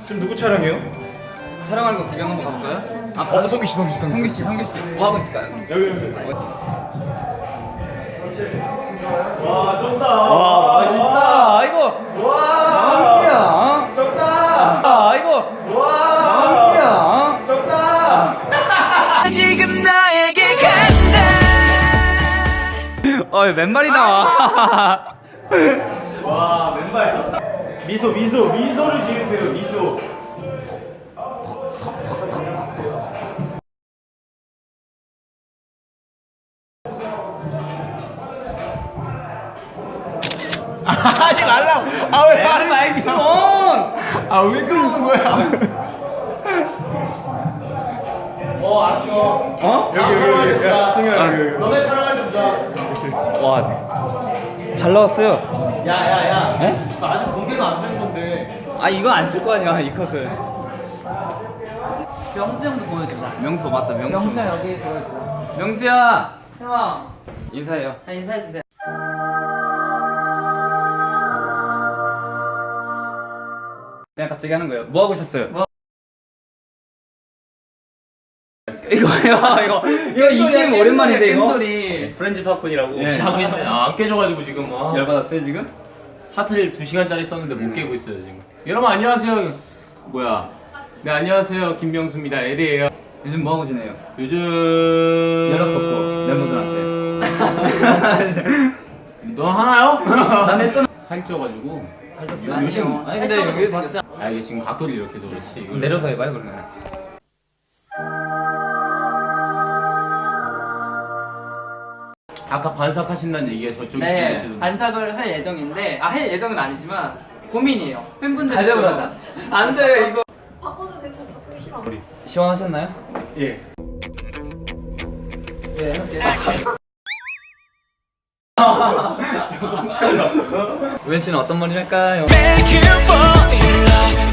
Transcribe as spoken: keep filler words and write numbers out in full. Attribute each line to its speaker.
Speaker 1: 지금 누구 촬영해요?
Speaker 2: 촬영하는 거 구경 한번 가볼까요?
Speaker 1: 아, 어, 성규 씨, 성규 씨,
Speaker 2: 성규 씨, 성규 씨. 뭐 하고 있을까요?
Speaker 1: 여기 여기. 와, 좋다. 와,
Speaker 2: 맛있다. 아이고.
Speaker 1: 와,
Speaker 2: 성규야.
Speaker 1: 좋다.
Speaker 2: 아, 아이고.
Speaker 1: 와,
Speaker 2: 성규야.
Speaker 1: 좋다.
Speaker 3: 지금 너에게 간다.
Speaker 2: 어, 맨발이 나와.
Speaker 1: 와, 맨발 좋다. 미소, 미소, 미소를 지으세요. 미소. 하지 말라고. 아, 왜 말을 말기 좀. 아, 왜 그러는 거야? 어, 알았어.
Speaker 2: 어?
Speaker 1: 여기 여기 여기. 야, 승현아 여기 여기.
Speaker 2: 너네 촬영할 주자. 와, 잘 나왔어요.
Speaker 1: 야, 야, 야.
Speaker 2: 에?
Speaker 1: 너 아직 공개도 안 된 건데.
Speaker 2: 아, 이거 안 쓸 거 아니야, 이 컷을. 명수 형도 보여주자. 명수 맞다, 명수.
Speaker 4: 명수야 여기 보여줘.
Speaker 2: 명수야.
Speaker 4: 형아,
Speaker 2: 인사해요.
Speaker 4: 한 인사해 주세요.
Speaker 2: 그냥 갑자기 하는 거예요. 뭐 하고 있었어요?
Speaker 4: 뭐?
Speaker 2: 이거요, 이거 이거 이 게임 오랜만인데 이거.
Speaker 4: 겜돌이.
Speaker 5: 프렌즈 팝콘이라고
Speaker 2: 예.
Speaker 5: 자고 있는데 아, 안 깨져가지고 지금 아,
Speaker 2: 열받았어요 지금?
Speaker 5: 하트를 두 시간짜리 썼는데 못 깨고 있어요 지금. 여러분 안녕하세요. 뭐야? 네 안녕하세요 김명수입니다. 에리예요.
Speaker 2: 요즘 뭐 하고 지내요?
Speaker 5: 요즘
Speaker 2: 연락 뒀고 멤버들한테.
Speaker 5: 너 하나요?
Speaker 2: 난 했잖아.
Speaker 5: 살쪄가지고
Speaker 2: 아니요.
Speaker 4: 아니요.
Speaker 2: 아니 근데
Speaker 4: 살쪄서
Speaker 2: 여기
Speaker 4: 잘생겼어.
Speaker 5: 아 이게 지금 각도를 이렇게 해서 그렇지. 이걸
Speaker 2: 내려서 해봐요 그러면.
Speaker 5: 아까 반삭하신다는 얘기가 저쪽에
Speaker 4: 네,
Speaker 5: 있으시던데.
Speaker 4: 반삭을 할 예정인데, 아, 할 예정은 아니지만 고민이에요. 팬분들
Speaker 2: 가위바위보 하자.
Speaker 4: 안 돼, 이거.
Speaker 6: 바꿔도 되고 바꾸기 싫어.
Speaker 2: 시원하셨나요?
Speaker 1: 예.
Speaker 2: 네 할게요. 우현 씨는 어떤 머리 할까요?
Speaker 3: Make you fall in love.